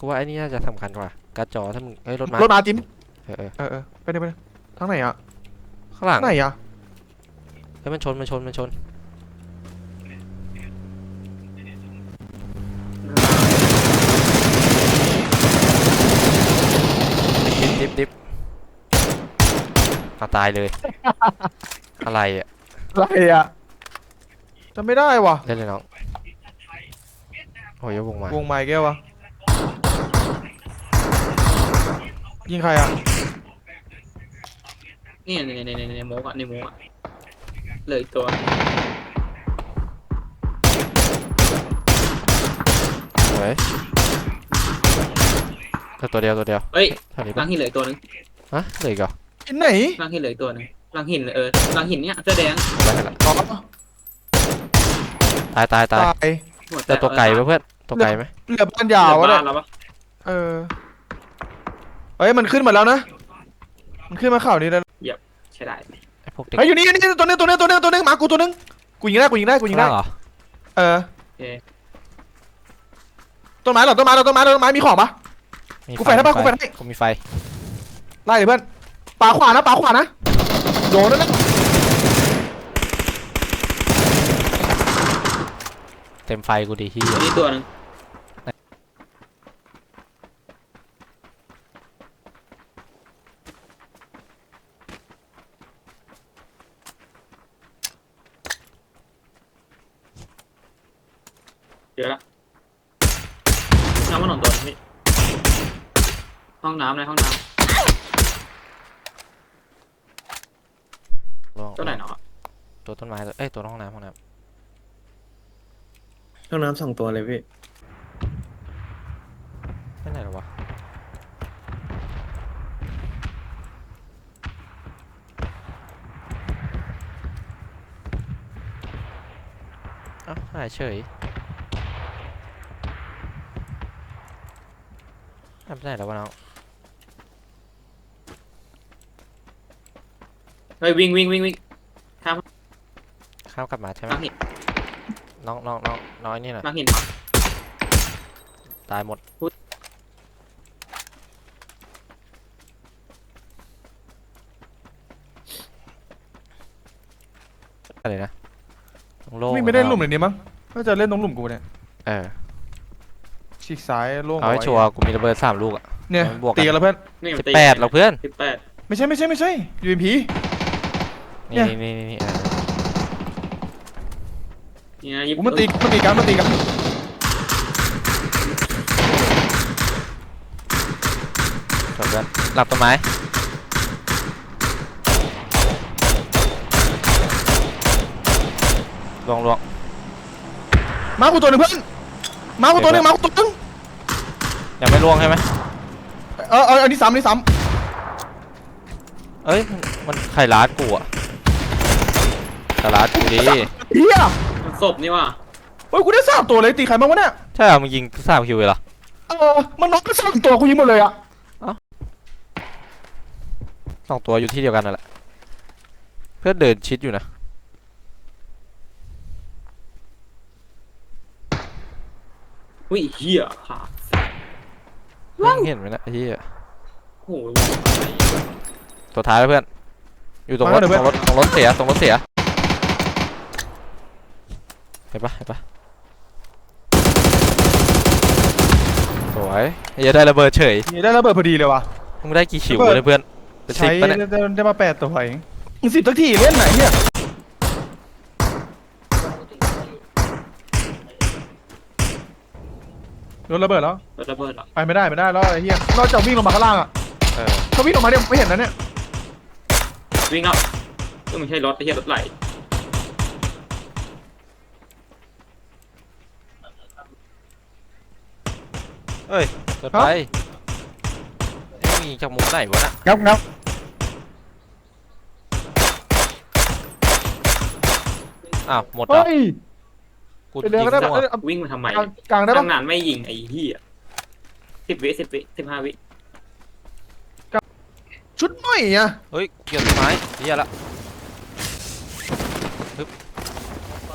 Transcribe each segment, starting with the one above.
กูว่าไอ้นี่น่าจะสำคัญกว่าการ์ดจอถ้ามึงรถมาจิมไปเลยทางไหนอะข้างหลังไหนอะมันชนดิบตายเลยอะไรอ่ะจำไม่ได้วะเล่นเลยน้องโอ้ยวงไม้แก้ววะยิงใครอะนี่ในโมกอะเลยตัวเฮ้ยตัวเดียวเฮ้ยเท่านี้ลัปะงหินเหลือตัวนึงฮะเหลืออีกเหรอที่ไหนลังหินเหลือตัวนึงลังหินลังหินเนี่ยเสื้อแดงได้ละตายแต่ตัวไก่เพื่อนตัวไก่ไหมเหลือบ้านยาววะเนี่ยเฮ้ยมันขึ้นมาแล้วนะมันขึ้นมาเข่านี้แล้วเหยียบใช่ได้ไอ้พวกเด็กอยู่นี่ตัวนึงมากูตัวนึงกูยิงได้เหรอต้นไม้มีของปะกูไฟได้ปะกูมีไฟไล่เลยเพื่อนปาขวานะโดนแล้วนะเต็มไฟกูดีที่นี่ตัวนึงเดี๋ยวละน้ำมันหนอนตัวนี้ห้องน้ำตัวไหนเนาะตัวต้นไม้ตัวห้องน้ำห้องน้ำ2 ตัวเลยพี่ไม่ไหนหรอวะหายเฉยไม่ไหนแล้ววะน้องเฮ้ยวิ่งข้ามกลับมาใช่ไหมน้องนี่นะลังหินตายหมดอะไรนะไม่ได้หลุมเลยนี่มั้งก็จะเล่นตรงหลุมกูเนี่ยฉีกซ้ายโล่งเอาให้ชัวร์กูมีระเบิด3 ลูกอ่ะเนี่ยตีกันแล้วเพื่อน 18หรอเพื่อนไม่ใช่UMP นี่มันตีกันจบแล้วหลับต้นไม้ลวงมากูตัวนึงเพื่อนมากูตัวนึงยังไม่ล่วงใช่ไหมอันนี้ซ้ำเอ้ยมันใครล้ากูอ่ะล้ากูดิเฮียมันศพนี่ว่ะเฮ้ยกูได้3 ตัวเลยตีใครบ้างวะเนี่ยใช่เหรอมึงยิง3 คิวเลยเหรอมันน็อกก็3 ตัวกูยิงหมดเลยอ่ะ 2 ตัวอยู่ที่เดียวกันนั่นแหละเพื่อนเดินชิดอยู่นะอุ้ยเหี้ยขาดเห็นไหมนะที่โอ้ยตัวท้ายแล้วเพื่อนอยู่ตรงรถเสียเห็นปะสวยได้ระเบิดเฉยได้ระเบิดพอดีเลยว่ะมึงได้กี่คิวเลยเพื่อนใช้ได้มา8 ตัวเอง10 สักทีเล่นไหนเนี่ยโดนระเบิดแล้วไปไม่ได้แล้วไอ้เหี้ยนอกจากวิ่งลงมาข้างล่างอ่ะเขาวิ่งลงมาเนี่ยไม่เห็นนะเนี่ยวิ่งแล้วก็ไม่ใช่รถไอ้เหี้ยรถไหลเฮ้ยเกิดไปมีจากมุมไหนวะน่ะงับหมดแล้วกูยิงวิ่งมาทำไมกลางได้ปะนานไม่ยิงไอ้เหี้ย10 วิ15 วิชุดใหม่อ่ะเฮ้ยเกี่ยวต้นไม้เหี้ยละ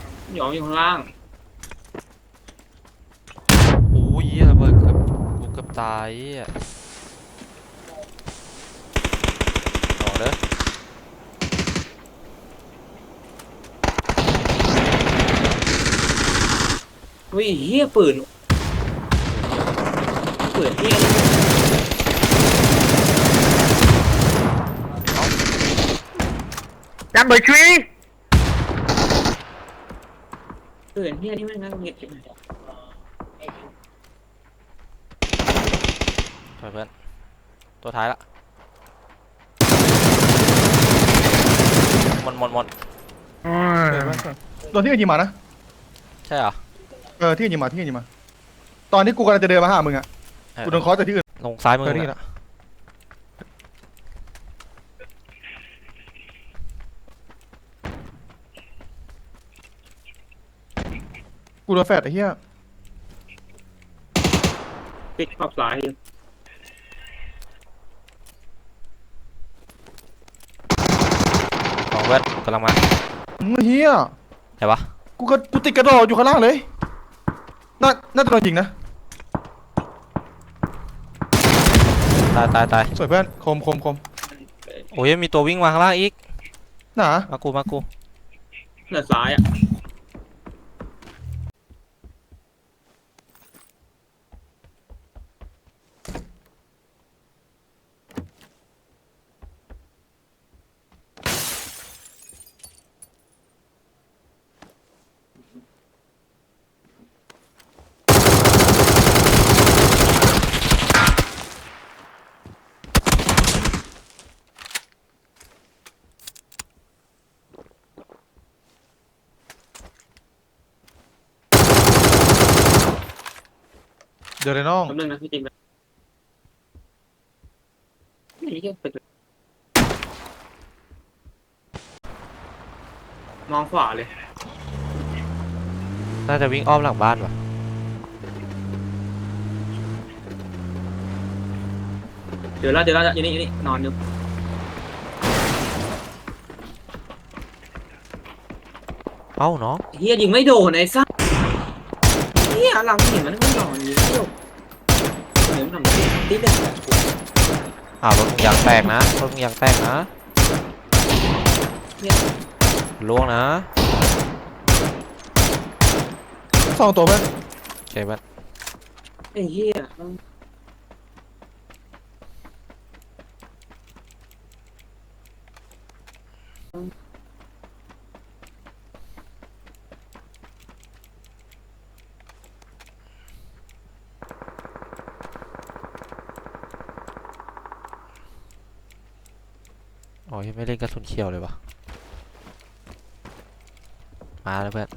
อยู่ข้างล่างโอ้ยระเบิดเกือบตายอ่ะต่อเด้ออุ้ยเฮียปืนเฮีย Number 3. ปืนเฮียนี่แม่งน่าเงียบจริงช่วยเพื่อนตัวท้ายละหมดโดนที่อื่นยิงมานะใช่เหรอที่อื่นยิงมาตอนที่กูกำลังจะเดินมาหามึงอ่ะเออกูโดนเคอจากที่อื่นลงซ้ายมือนี่น่ะละกูโดนแฟดไอ้เหี้ยปิดขอบซ้ายของเพื่อนกำลังมาเหี้ยไหนวะกูติดกระโดดอยู่ข้างล่างเลยน่าจะโดนยิงนะตายสวยเพื่อนคมโอ้ยมีตัววิ่งมาข้างล่างอีกหนามากูเหนือซ้ายอ่ะเดี๋ยวเลยน้องแป๊บนึงนะพี่จิมนี่เฮียเป็นมองขวาเลยน่าจะวิ่งอ้อมหลังบ้านว่ะเดี๋ยวอยู่นี่นอนอยู่เอ้าน้องเฮียยิงไม่โดนไอ้ซ่าเฮียหลังเห็นมันไม่นอนยิงไม่โดนเดี๋ยวมันทำตีเด็กอ้าวรถมึงยางแตกนะล่วงนะ 2 ตัวเพื่อนโอเคเพื่อนไอ้เฮียโอ้ยไม่เล่นกระสุนเขียวเลยวะมาแล้วเพื่อน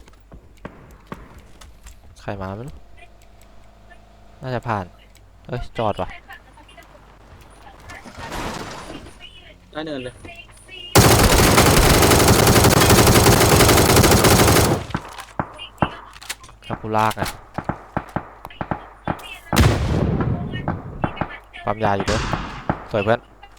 ใครมาไม่รู้น่าจะผ่านเอ้ยจอดว่ะได้เนินเลยถ้ากูลากอ่ะปั๊มยาอยู่ด้วยสวยเพื่อน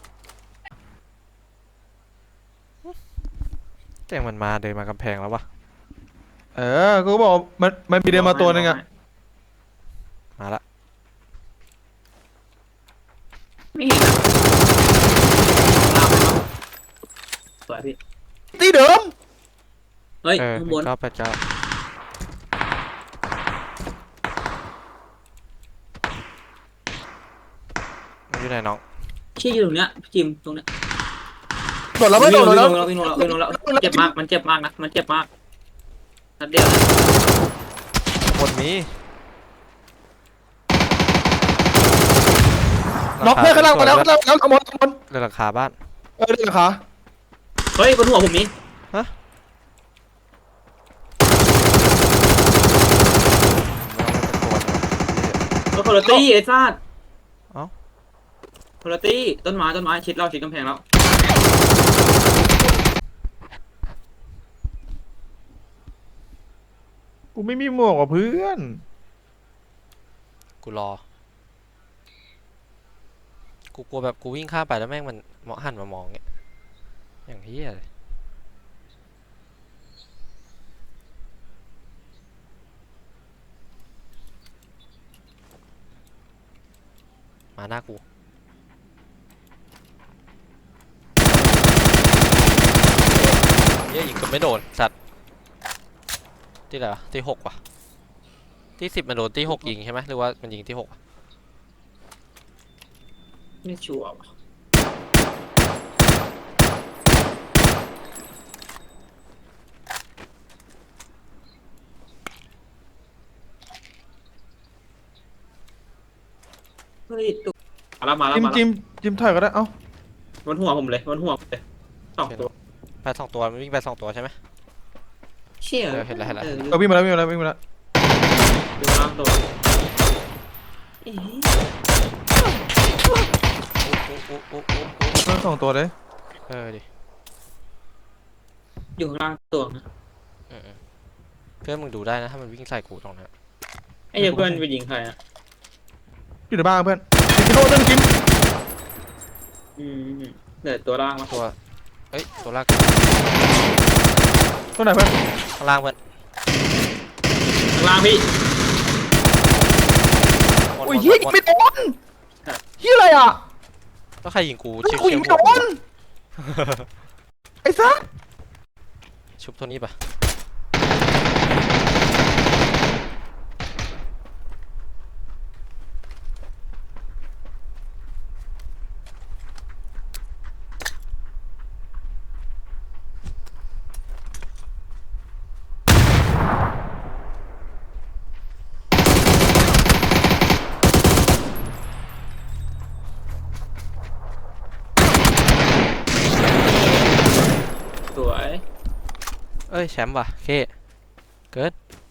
แจ้งมันมาเดินมากำแพงแล้ววะกูก็บอกมันมีเดินมาตัวนึงอ่ะมาละไม่เห็นอะลากไปเนาะสวยพี่ตีเดิมเฮ้ยเออข้างบน 989มันอยู่ไหนน้องชี้อยู่ตรงเนี้ยพี่จิมตรงเนี้ยโดดแล้วไม่โดดแล้ววิ่งลงแล้วเจ็บมากมันเจ็บมากนะมันเจ็บมากนัดเดียวนะบนนี้น็อกเพื่อนข้างล่างมาแล้วเอาหมดเรือหลังคาบ้านเดินขาเฮ้ยบนหัวผมมีคนละตี้ไอ้ซาดคนละตี้ต้นไม้ชิดกำแพงแล้วกูไม่มีหมวกกับเพื่อนกูรอ กูกลัวแบบกูวิ่งข้ามไปแล้วแม่งมันหันมามองเงี้ยอย่างเฮียเลยมาหน้ากูเหี้ยยิงก็ไม่โดนสัตว์ที่ไหนวะที่6ว่ะที่10มันโดนที่6ยิงใช่ไหมหรือว่ามันยิงที่6อะไม่ชัวร์ว่ะเฮ้ยตุ๊กมาแล้วจิ้มถอยก็ได้เอ้าบนหัวผมเลยบนหัวผมเลยสองตัวไป2ตัวมันวิ่งไป2ตัวใช่ไหมเชี่ยเห็นแล้ววิ่งมาแล้ววิ่งมาแล้วดูล่างตัวเอ๊ะทั้ง2ตัวเลยดิอยู่ข้างล่างตัวนะเพื่อนมึงดูได้นะถ้ามันวิ่งใส่กูตรงนั้นไอ้เหี้ยเพื่อนไปยิงใครอ่ะอยู่ในบ้านเพื่อนกิโลนึงจิ้มเหลือตัวล่างมาตัวเอ้ยตัวลากตัวไหนเพื่อนข้างล่างเพื่อนข้างล่างพี่โอ้ยเฮียยิงไม่โดนเฮียอะไรอ่ะก็ใครยิงกูกูยิงไม่โดนไอ้ซักชุบตัวนี้ปะสวยเอ้ยแชมป์ว่ะเคเกิด